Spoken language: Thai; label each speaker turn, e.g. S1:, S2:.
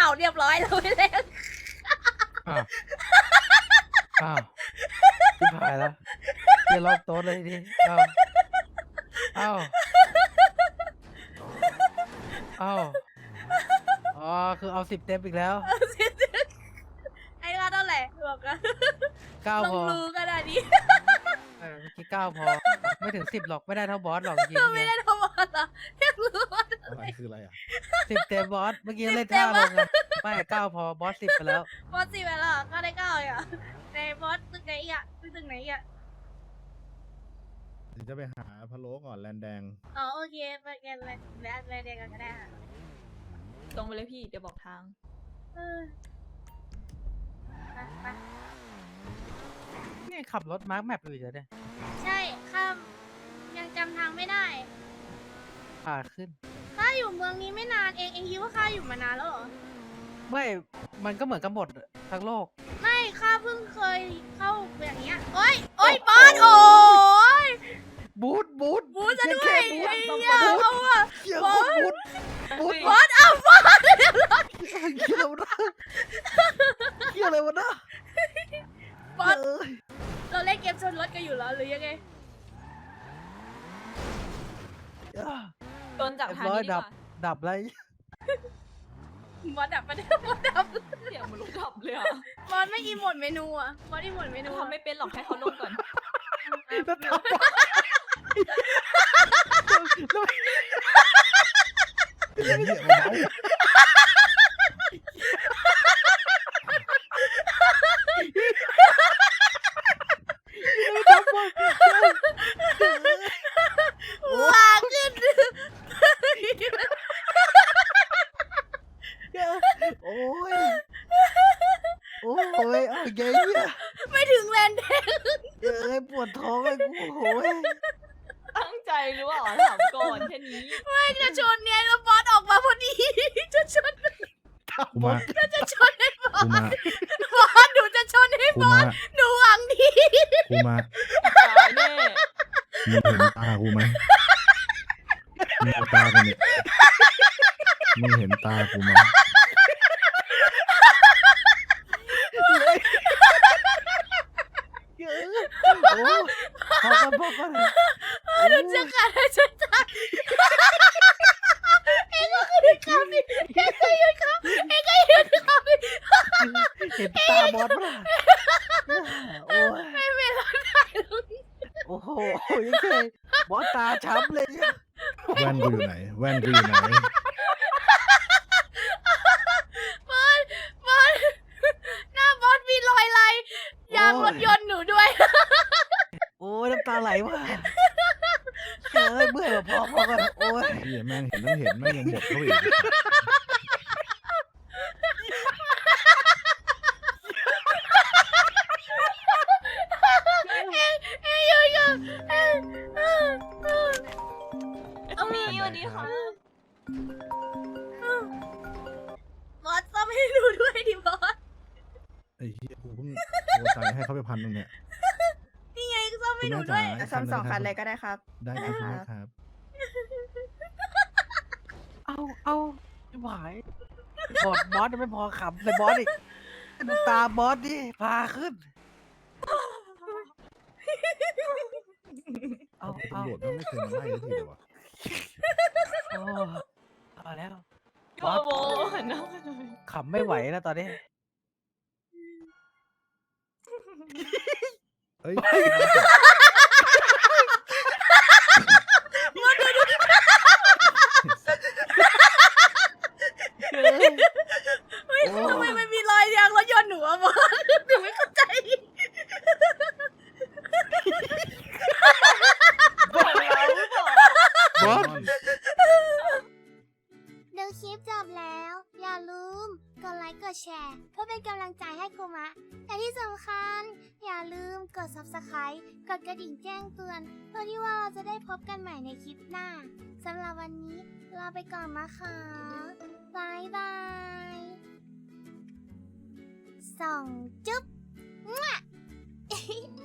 S1: เรียบร้อยแล้วไม่เล่น
S2: อ้าวอ้าวชิบหายแล้วเรียรอบโต๊ะเลยดิอ้าวอ้าวอ้าวอ๋อคือเอา10 เต็มอีกแล้ว
S1: ไอ้ค่าเท่าไหร่บอกกัน
S2: 9
S1: ล
S2: พ
S1: ง
S2: อ
S1: รูขนาดนี้
S2: เมื่อกี้9 พอไม่ถึง10หรอกไม่ได้เท่าบอสหรอกจริง
S1: ก็
S2: ๆ
S1: ไม่
S2: ไง
S1: ได้ทำอะไรอยากรู้ว่า
S3: อะไรคืออะไรอ่ะ
S2: 10 เต็มบอสเมื่อกี้เล่น
S1: 10 เต็ม
S2: ท่าล
S1: วะ
S2: งไงไม่9 พอบอส10ไปแล้ว
S1: บอสสิบไปแล้วก็ได้เก้าอ่ะในบอสตึกไหนอ่ะตึกไหนอ่ะ
S3: เดี๋ยวจะไปหาพะโล้ก่อนแลนแดง
S1: อ๋อโอเคไปกันเลยแล้วเดียวกันก็ได้ค่ะ
S4: ตรงไปเลยพี่เดี๋ยวบอกทาง
S1: เออไป
S2: นี่ขับรถมาร์คแมปอยู่จะได้
S1: ใช่ข้ามยังจำทางไม่ได้
S2: ผ่าขึ้น
S1: ข้าอยู่เมืองนี้ไม่นานเองคิดว่าข้าอยู่มานานแล้วเหรอ
S2: ไม่มันก็เหมือนกันหมดทั้งโลก
S1: ไม่ข้าเพิ่งเคยเข้าอย่างเงี้ยโอ้ยบอสโอ้ย
S2: บูท
S1: บูสซะด้วย
S2: บูท
S1: ไอ้เหี้ยเอาอะ
S2: เชี่ย
S1: บอส
S2: บูท
S1: บอสเอาบอส
S2: เชี่ยอะไรวะนะเชี่ยอะไรวะนะ
S1: บอส
S2: เอ้ย
S1: เราเล่นเกมชนรถกันอยู่แล้วหรือยังไง
S4: โดนจับ
S2: เรียบ
S4: ทาง
S2: ร้อย
S4: นี้ดีกว่า
S2: ดับอะไร
S1: บอสดับมาได้บอสดับ
S4: เสียงมันรู้ดับเลยอ่ะ
S1: บอสไม่อีโมดเมนูอ่ะบอสอีโมดเมนู
S4: ทำไม่เป็นหรอกให้เขาลงก่อน
S2: แล้วดับแล้ว
S3: เหี้ยเบา
S2: ดับหมด
S1: ว้าขึ้น
S2: โอ้ยโอ้ยเอาไงเนี่ย
S1: ไม่ถึงแลนด์แดง
S2: เอ้ยปวดท้องเลยกูโอ้ย
S4: ตั้งใจหรือเปล่าถามก่อนแค่นี้
S1: ไม่จะชนเนี่ยแล้วบอสออกมาพอดีจะชน
S3: กูมา
S1: จะชนให้บอ
S3: กูมา
S1: สบอสหนูจะชนให้
S3: กู
S1: บอ
S3: มา
S1: สหนูหวังดี
S3: กูมา
S4: ตายแน่
S3: มึงเห็นตากูไหมมึงเอาตากูเนี่ยมึงเห็นตากูไหม
S2: เอ้ยโอ้พอกัน
S1: หนูจะขาดใจตายเอ็งก็คือคำนี้เอ็งก็ยืนคำเอ็งก็ยืนคำนี้
S2: เห็นตาบอสปะล่ะโอ้ย
S1: ไม่เป็นไรได้หรอก
S2: โอ้โหยังไงบอสตาช้ำเลยเนี่ย
S3: แว่นกูอยู่ไหน แว่นกูอยู่ไหน
S1: บอสหน้าบอสมีรอยอะไรยางรถยนต์หนูด้วย
S2: โอ้ยน้ำตาไหลว่ะเอ้ยเมื่อยว่ะพอกันโอ้ย
S3: เหี้ยแม่งเห็นต้องเห็นแม่งยังบดเข้าไปอีก
S1: เอ้ยอยู่
S4: ตรงนี้สวัสดีค่ะ
S1: บอสซ่อมให้หนูด้วยดิบอส
S3: ไอ้เหี้ยกูเพิ่งโทรใจให้เขาไป1,000นึงเนี่ย
S1: นี่ไงซ่อม
S3: คุ
S1: ให้
S3: ณ
S1: หนู
S3: แม่
S1: ด้ว
S3: จ๋าย
S5: ซ่อม2 คันเลยก็ได้ครับ
S3: ได้ครับคุณแม่ครับ
S2: เอาไม่ไหวบอสยังไม่พอขำเลยบอสอีกดูตาบอสดิพาขึ้นเอา
S3: ตำรวจไม่เคยมาไล่สักทีเลยวะ
S2: เอาแล้ว
S4: โอ้โหหันหน้ามาหน่อย
S2: ขำไม่ไหวแล้วตอนนี้
S3: เอ้ย
S1: เฮ้ยทำไมมันมีรอยยางรถยนต์หนูอะบอสหนูไม่เข้าใจ
S4: บอกเราหรือเปล่า
S2: บอส
S6: ดูคลิปจบแล้ว อย่าลืมกดไลค์กดแชร์เพื่อเป็นกำลังใจให้คุมะและที่สำคัญ อย่าลืมกด subscribe กดกระดิ่งแจ้งเตือนเพื่อที่ว่าเราจะได้พบกันใหม่ในคลิปหน้าสำหรับวันนี้ลาไปก่อนนะคะบายบายส่องจุ๊บ